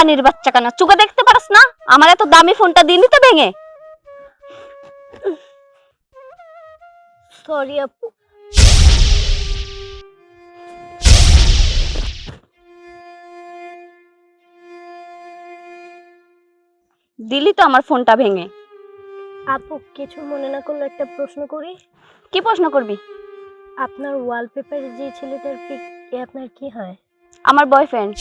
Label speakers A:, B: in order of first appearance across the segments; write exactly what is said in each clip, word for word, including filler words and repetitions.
A: রানীর বাচ্চা কানা, চুকে দেখতে পারস না আমার এত দামি ফোনটা দিনই তো ভেঙে।
B: সরি আপু।
A: দিলি তো আমার ফোনটা ভেঙে।
B: আপু কিছু মনে না করলে একটা প্রশ্ন করি।
A: কি প্রশ্ন করবি?
B: আপনার ওয়ালপেপারে যে ছেলেটার পিক, এ আপনার কি হয়?
A: আমার বয়ফ্রেন্ড।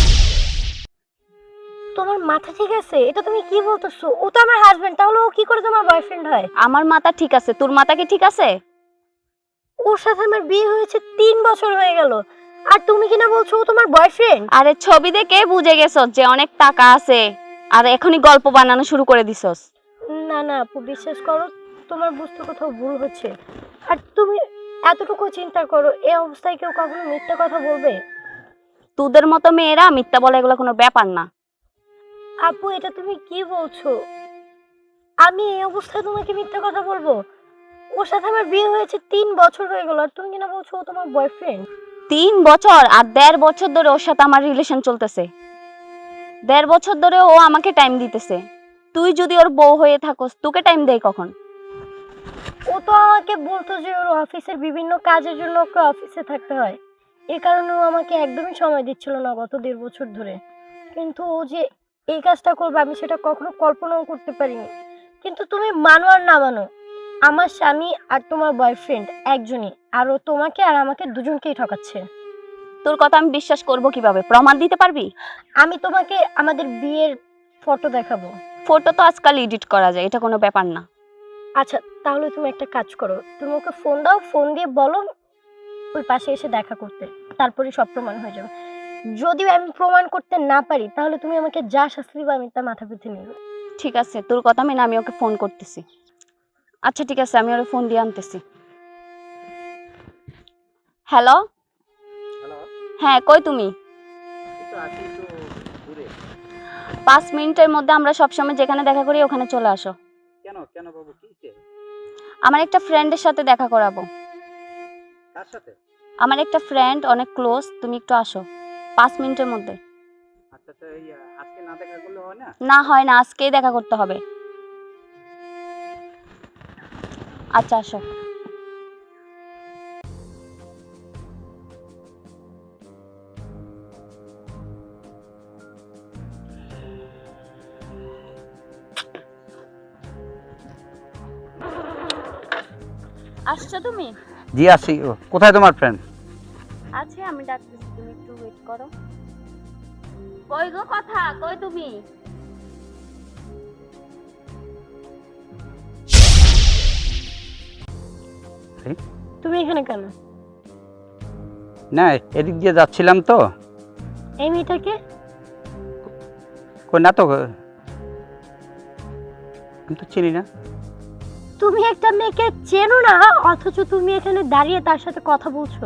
B: তোমার মাথা ঠিক আছে? এটা তুমি কি বলতেছো? ও তো আমার হাজবেন্ড, তাহলে ও কি করে তোমার বয়ফ্রেন্ড হয়?
A: আমার মাথা ঠিক আছে, তোর মাথা কি ঠিক আছে?
B: ওর সাথে আমার বিয়ে হয়েছে তিন বছর হয়ে গেল, আর তুমি কিনা বলছো ও তোমার বয়ফ্রেন্ড?
A: আরে ছবি দেখে বুঝে গেছস যে অনেক টাকা আছে, আর এখনই গল্প বানানো শুরু করে দিছস।
B: না না আপু, বিশ্বাস করো, তোমার বুঝতে কোথাও ভুল হচ্ছে। আর তুমি এতটুকু চিন্তা করো, এই অবস্থায় কেউ কখনো মিথ্যা কথা বলবে?
A: তোদের মতো মেয়েরা মিথ্যা বলে এগুলো কোনো ব্যাপার না।
B: আপু এটা তুমি কি বলছো? আমি এই অবস্থায় তোমাকে মিথ্যা কথা বলবো? ওর সাথে আমার বিয়ে হয়েছে তিন বছর হয়ে গেল, আর তুমি কিনা বলছো ও তোমার বয়ফ্রেন্ড?
A: তিন বছর আর দেড় বছর ধরে ওর সাথে আমার রিলেশন চলতেছে। দেড় বছর ধরে ও আমাকে টাইম দিতেছে। তুই যদি ওর বউ হয়ে থাকস, তোকে টাইম দেয় কখন?
B: ও তো আমাকে বলতো যে ওর অফিসের বিভিন্ন কাজের জন্য ওকে অফিসে থাকতে হয়, এই কারণে ও আমাকে একদমই সময় দিচ্ছিল না গত দেড় বছর ধরে। কিন্তু ও যে এই কাজটা করবে আমি সেটা কখনো কল্পনাও করতে পারিনি। কিন্তু তুমি মানো আর না মানো, আমার স্বামী আর তোমার বয়ফ্রেন্ড একজনই, আর ও তোমাকে আর আমাকে দুজনকেই ঠকাচ্ছে।
A: তোর কথা আমি বিশ্বাস করব কিভাবে? প্রমাণ দিতে পারবি?
B: আমি তোমাকে আমাদের বিয়ের ফটো দেখাবো।
A: ফটো তো আজকাল এডিট করা যায়, এটা কোনো ব্যাপার না।
B: আচ্ছা তাহলে তুমি একটা কাজ করো, তুমি ওকে ফোন দাও, ফোন দিয়ে বলো ওই পাশে এসে দেখা করতে, তারপরে সব প্রমাণ হয়ে যাবে। যদি আমি প্রমাণ করতে না পারি তাহলে তুমি আমাকে যা শাস্তি দিবে আমি তা মাথা পেতে নিব।
A: ঠিক আছে, তোর কথা মেনে আমি ওকে ফোন করতেছি। আচ্ছা ঠিক আছে, আমি ওর ফোন দিয়ে আনতেছি। হ্যালো।
C: হ্যালো।
A: হ্যাঁ, কই তুমি?
C: এই তো আছি একটু দূরে।
A: পাঁচ মিনিটের মধ্যে আমরা সবসময় যেখানে দেখা করি ওখানে চলে আসো।
C: কেন কেন বাবু, কি হয়েছে?
A: আমার একটা ফ্রেন্ডের সাথে দেখা করাবো।
C: কার সাথে?
A: আমার একটা ফ্রেন্ড অনেক ক্লোজ, তুমি একটু আসো পাঁচ মিনিটের মধ্যে।
C: আচ্ছা আচ্ছা, এই আজকে না দেখা করলে হয় না?
A: না হয় না, আজকেই দেখা করতে হবে। আচ্ছা আসো। আসছো তুমি?
C: জি আসি। কোথায় তোমার ফ্রেন্ড?
A: আছে, আমি ডাকতেছি, তুমি একটু ওয়েট করো। কই গো কথা, কই তুমি?
B: তুমি এখানে কেন?
C: না, এদিক দিয়ে যাচ্ছিলাম তো।
B: এই মেয়েটাকে?
C: কই না তো, আমি তো চিনি না।
B: তুমি একটা মেয়েকে চেনো না, অথচ তুমি এখানে দাঁড়িয়ে তার সাথে কথা বলছো।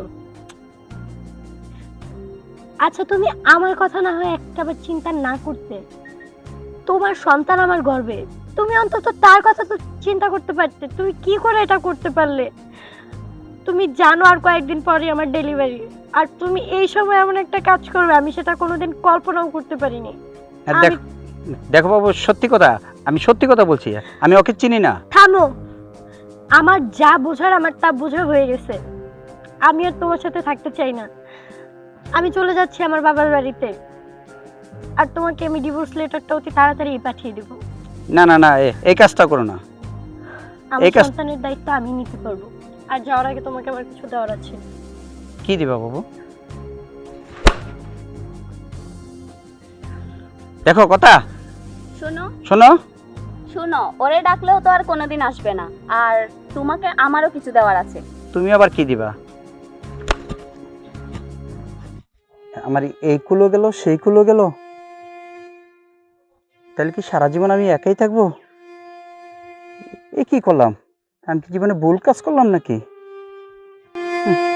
B: আচ্ছা তুমি আমার কথা না হয় একটাবার চিন্তা না করতে? তোমার সন্তান আমার গর্বে, তুমি অন্তত তার কথা তো চিন্তা করতে পারতে। তুমি কি করে এটা করতে পারলে? তুমি জানো আর কয়েকদিন পরে আমার ডেলিভারি, আর তুমি এই সময় এমন একটা কাজ করবে আমি সেটা কোনোদিন কল্পনাও করতে পারিনি।
C: আর
B: আমি-
C: দেখ- দেখো বাবু, সত্যি কথা, আমি সত্যি কথা বলছি, আমি ওকে চিনি না।
B: থামো, আমার যা বোঝার আমার তা বোঝা হয়ে গেছে। আমি আর তোমার সাথে থাকতে চাই না। আমি চলে যাচ্ছি আমার বাবার বাড়িতে, আর তোমাকে আমি ডিভোর্স লেটারটা অতি তাড়াতাড়ি পাঠিয়ে দেবো।
C: না না না, এ- এই কাজটা করো না।
B: আমার
C: এই কাজ-
B: সন্তানের দায়িত্ব আমি নিতে পারবো, আর যাওয়ার আগে তোমাকে আমার কিছু দেওয়ার আছে।
C: কি দিবা বাবু? দেখো কথা
A: শোনো
C: শোনো।
A: শোনো, ওরে ডাকলেও তো আর কোনোদিন আসবে না, আর তোমাকে আমারও কিছু দেওয়ার আছে।
C: তুমি আবার কি দিবা? আমার এই কুলো গেল, সেই কুলো গেল, তাহলে কি সারা জীবন আমি একাই থাকবো? এ কি করলাম? আমি কি জীবনে ভুল কাজ করলাম নাকি? হুম।